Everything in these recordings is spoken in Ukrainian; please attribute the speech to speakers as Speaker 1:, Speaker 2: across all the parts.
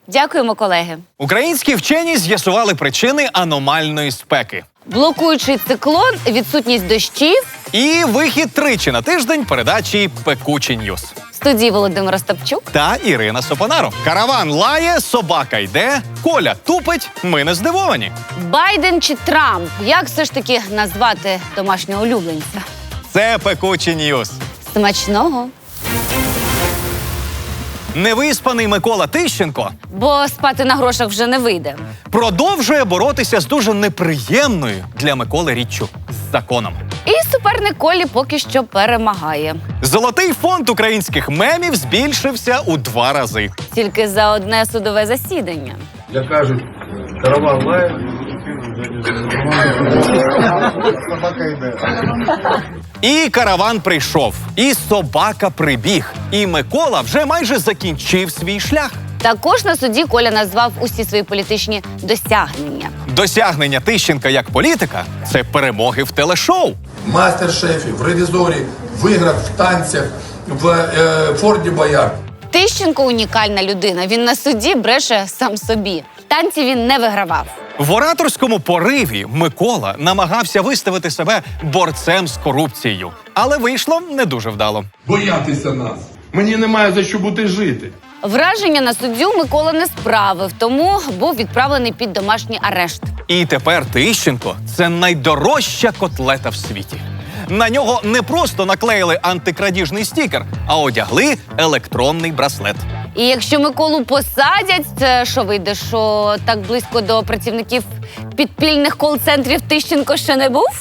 Speaker 1: Дякуємо, колеги.
Speaker 2: Українські вчені з'ясували причини аномальної спеки.
Speaker 1: Блокуючий циклон, відсутність дощів.
Speaker 2: І вихід тричі на тиждень передачі «Пекучі Ньюс».
Speaker 1: В студії Володимир Остапчук
Speaker 2: Та Ірина Сопонаро. Караван лає, собака йде, Коля тупить, ми не здивовані.
Speaker 1: Байден чи Трамп? Як все ж таки назвати домашнього улюбленця?
Speaker 2: Це «Пекучі Ньюс».
Speaker 1: Смачного.
Speaker 2: Невиспаний Микола Тищенко
Speaker 1: Бо спати на грошах вже не вийде.
Speaker 2: продовжує боротися з дуже неприємною для Миколи річчю – з законом.
Speaker 1: І суперник Колі поки що перемагає.
Speaker 2: Золотий фонд українських мемів збільшився у 2 рази.
Speaker 1: Тільки за одне судове засідання.
Speaker 3: Як кажуть, караван лає. Собака йде.
Speaker 2: І караван прийшов, і собака прибіг. І Микола вже майже закінчив свій шлях.
Speaker 1: Також на суді Коля назвав усі свої політичні досягнення.
Speaker 2: Досягнення Тищенка як політика – це перемоги в телешоу.
Speaker 3: В мастер-шефі, в ревізорі, виграв в танцях, в Форді Боярд.
Speaker 1: Тищенко унікальна людина. Він на суді бреше сам собі. Танці він не вигравав.
Speaker 2: В ораторському пориві Микола намагався виставити себе борцем з корупцією. Але вийшло не дуже вдало.
Speaker 3: Боятися нас. Мені немає за що бути жити.
Speaker 1: Враження на суддю Микола не справив, тому був відправлений під домашній арешт.
Speaker 2: І тепер Тищенко – це найдорожча котлета в світі. На нього не просто наклеїли антикрадіжний стікер, а одягли електронний браслет.
Speaker 1: І якщо Миколу посадять, це що вийде, що так близько до працівників підпільних кол-центрів Тищенко ще не був?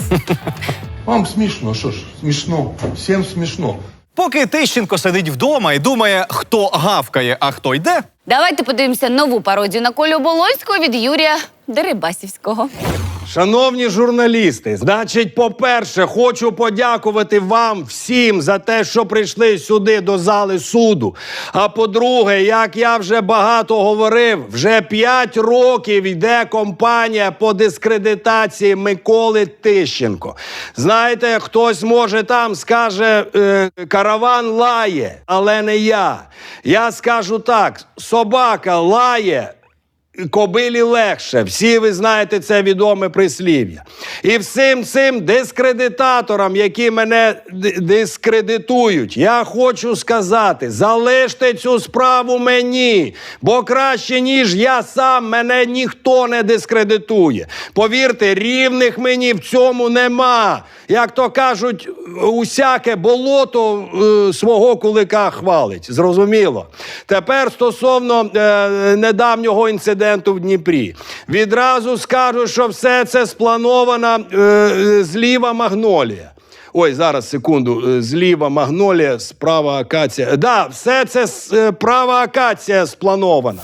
Speaker 3: Вам смішно, що ж, смішно. Всім смішно.
Speaker 2: Поки Тищенко сидить вдома і думає, хто гавкає, а хто йде,
Speaker 1: Давайте подивимося нову пародію на Колю Болонського від Юрія Дерибасівського.
Speaker 4: Шановні журналісти, значить, по-перше, хочу подякувати вам всім за те, що прийшли сюди до зали суду. А по-друге, як я вже багато говорив, вже 5 років йде кампанія по дискредитації Миколи Тищенко. Знаєте, хтось може там скаже, караван лає, але не я. Я скажу так, собака лає, кобилі легше. Всі ви знаєте це відоме прислів'я. І всім цим дискредитаторам, які мене дискредитують, я хочу сказати, залиште цю справу мені, бо краще, ніж я сам, мене ніхто не дискредитує. Повірте, рівних мені в цьому нема. Як то кажуть, усяке болото свого кулика хвалить. Зрозуміло? Тепер стосовно недавнього інциденту в Дніпрі. Відразу скажу, що все це спланована зліва магнолія. Ой, зараз, секунду. Зліва магнолія, справа акація. Да, все це права акація спланована.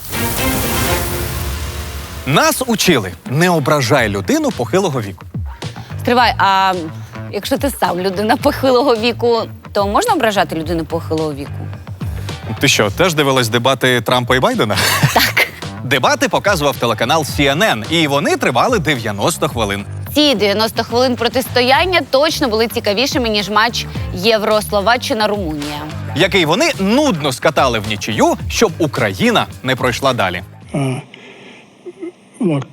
Speaker 2: нас учили – не ображай людину похилого віку.
Speaker 1: Стривай, а якщо ти сам людина похилого віку, то можна ображати людину похилого віку?
Speaker 2: Ти що, теж дивилась дебати Трампа і Байдена?
Speaker 1: Так.
Speaker 2: Дебати показував телеканал CNN, і вони тривали 90 хвилин.
Speaker 1: Ці 90 хвилин протистояння точно були цікавішими, ніж матч Євро-Словаччина-Румунія.
Speaker 2: Який вони нудно скатали в нічию, щоб Україна не пройшла далі.
Speaker 5: Look,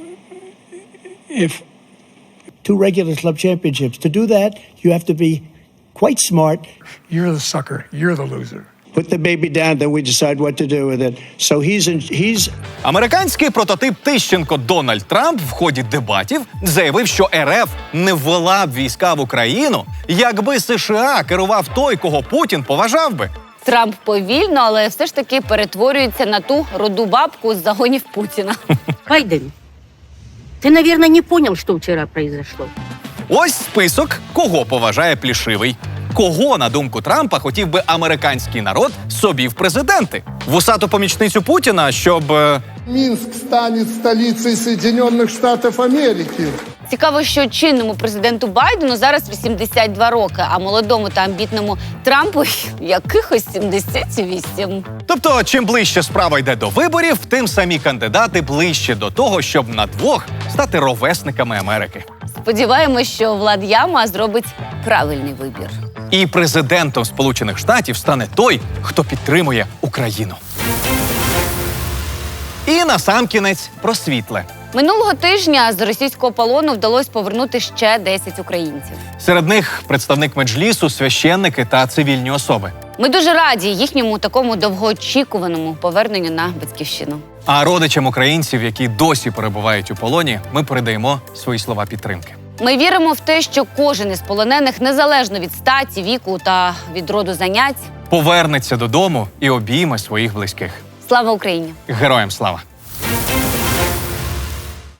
Speaker 5: if 2 regular club championships, to do that, you have to be quite smart.
Speaker 6: You're the sucker. You're the loser.
Speaker 5: Put the baby down, then we decide what to do with it. So he's
Speaker 2: Американський прототип Тищенко Дональд Трамп в ході дебатів заявив, що РФ не ввела б війська в Україну, якби США керував той, кого Путін поважав би.
Speaker 1: Трамп повільно, але все ж таки перетворюється на ту руду бабку з загонів Путіна.
Speaker 7: Байден, ты, наверное, не понял, что вчера произошло.
Speaker 2: Ось список, кого поважає Плішивий. Кого, на думку Трампа, хотів би американський народ собі в президенти? Вусату помічницю Путіна, щоб...
Speaker 8: Минск станет столицей Соединенных Штатов Америки.
Speaker 1: Цікаво, що чинному президенту Байдену зараз 82 роки, а молодому та амбітному Трампу якихось 78.
Speaker 2: Тобто, чим ближче справа йде до виборів, тим самі кандидати ближче до того, щоб на двох стати ровесниками Америки.
Speaker 1: Сподіваємось, що Влад Яма зробить правильний вибір.
Speaker 2: І президентом Сполучених Штатів стане той, хто підтримує Україну. І насамкінець про світле.
Speaker 1: Минулого тижня з російського полону вдалося повернути ще 10 українців.
Speaker 2: Серед них представник меджлісу, священники та цивільні особи.
Speaker 1: Ми дуже раді їхньому такому довгоочікуваному поверненню на батьківщину.
Speaker 2: А родичам українців, які досі перебувають у полоні, ми передаємо свої слова підтримки.
Speaker 1: Ми віримо в те, що кожен із полонених, незалежно від статі, віку та від роду занять,
Speaker 2: Повернеться додому і обійме своїх близьких.
Speaker 1: слава Україні!
Speaker 2: Героям слава!